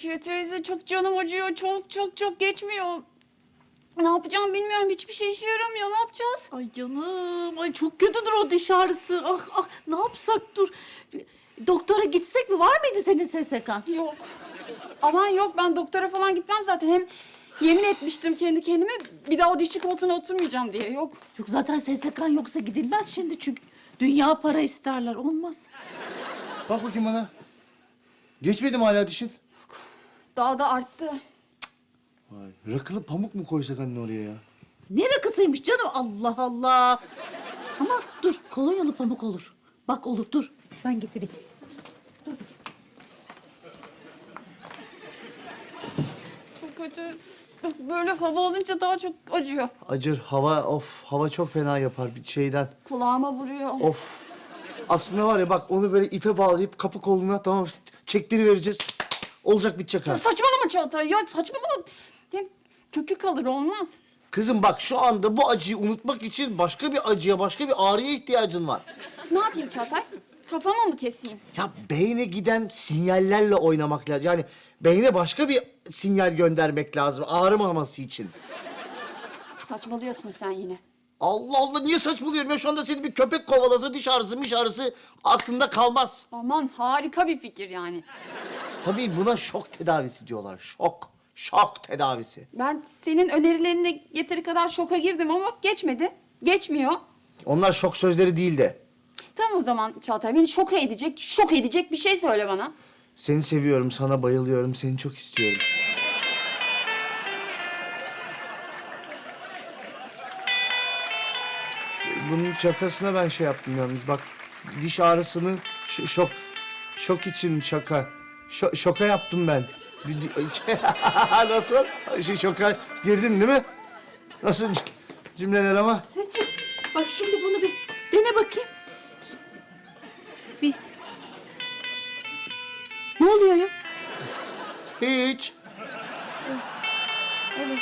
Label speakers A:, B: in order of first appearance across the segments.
A: Rukiye teyze çok canım acıyor. Çok geçmiyor. Ne yapacağım bilmiyorum. Hiçbir şey işe yaramıyor. Ne yapacağız?
B: Ay canım, ay çok kötüdür o diş ağrısı. Ah, ne yapsak dur. Doktora gitsek mi? Var mıydı senin SSK'n?
A: Yok. Aman yok, ben doktora falan gitmem zaten. Hem yemin etmiştim kendi kendime bir daha o dişçi koltuğuna oturmayacağım diye. Yok.
B: Yok zaten SSK'n yoksa gidilmez şimdi çünkü dünya para isterler. Olmaz.
C: Bak bakayım bana. Geçmedi mi hala dişin?
A: Daha da arttı.
C: Vay, rakılı pamuk mu koysak anne oraya ya?
B: Ne rakısıymış canım? Allah Allah. Ama dur, kolonyalı pamuk olur. Bak olur, dur. Ben getireyim.
A: Çok kötü. Böyle hava alınca daha çok acıyor.
C: Acır, hava çok fena yapar bir şeyden.
A: Kulağıma vuruyor.
C: Of. Aslında var ya bak onu böyle ipe bağlayıp kapı koluna tamam çektirivereceğiz. Olacak bitecek ha.
A: Saçmalama Çağatay ya, saçmalama. Hem kökü kalır, olmaz.
C: Kızım bak şu anda bu acıyı unutmak için başka bir acıya, başka bir ağrıya ihtiyacın var.
A: Ne yapayım Çağatay? Kafama mı keseyim?
C: Ya beyne giden sinyallerle oynamak lazım. Yani beyne başka bir sinyal göndermek lazım ağrımaması için.
A: Saçmalıyorsun sen yine.
C: Allah Allah niye saçmalıyorum ya? Şu anda seni bir köpek kovalasa diş ağrısı, miş ağrısı aklında kalmaz.
A: Aman harika bir fikir yani.
C: Tabii buna şok tedavisi diyorlar. Şok tedavisi.
A: Ben senin önerilerine yeteri kadar şoka girdim ama geçmedi. Geçmiyor.
C: Onlar şok sözleri değil de.
A: Tamam o zaman Çağatay, beni şok edecek bir şey söyle bana.
C: Seni seviyorum, sana bayılıyorum, seni çok istiyorum. Bunun şakasına ben şey yaptım yalnız bak. Diş ağrısını şok için şaka. Şoka yaptım ben. Nasıl? Şoka girdin değil mi? Nasıl cümleler ama?
B: Seçim, bak şimdi bunu bir dene bakayım. Bir... Ne oluyor ya?
C: Hiç.
A: Evet.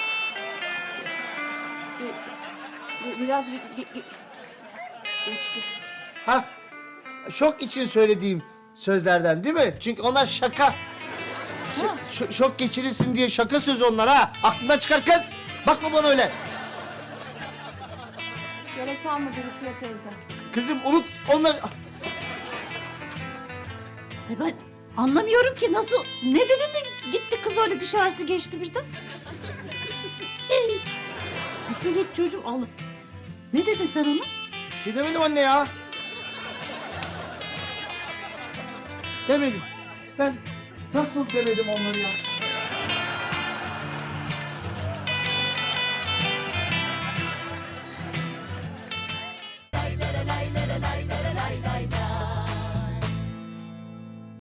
A: Biraz geçti.
C: Ha, şok için söylediğim sözlerden değil mi? Çünkü onlar şaka. Şok geçirirsin diye şaka sözü onlar ha. Aklından çıkar kız. Bakma bana öyle.
A: Gerek kalmadı Rukiye teyze.
C: Kızım unut onları.
B: Ay ben anlamıyorum ki nasıl... Ne dedin de gitti kız öyle diş ağrısı geçti birden? Hiç. Nasıl hiç çocuğum? Allah. Ne dedin sen ona?
C: Bir şey demedim anne ya. Demedim. Ben nasıl demedim onları ya?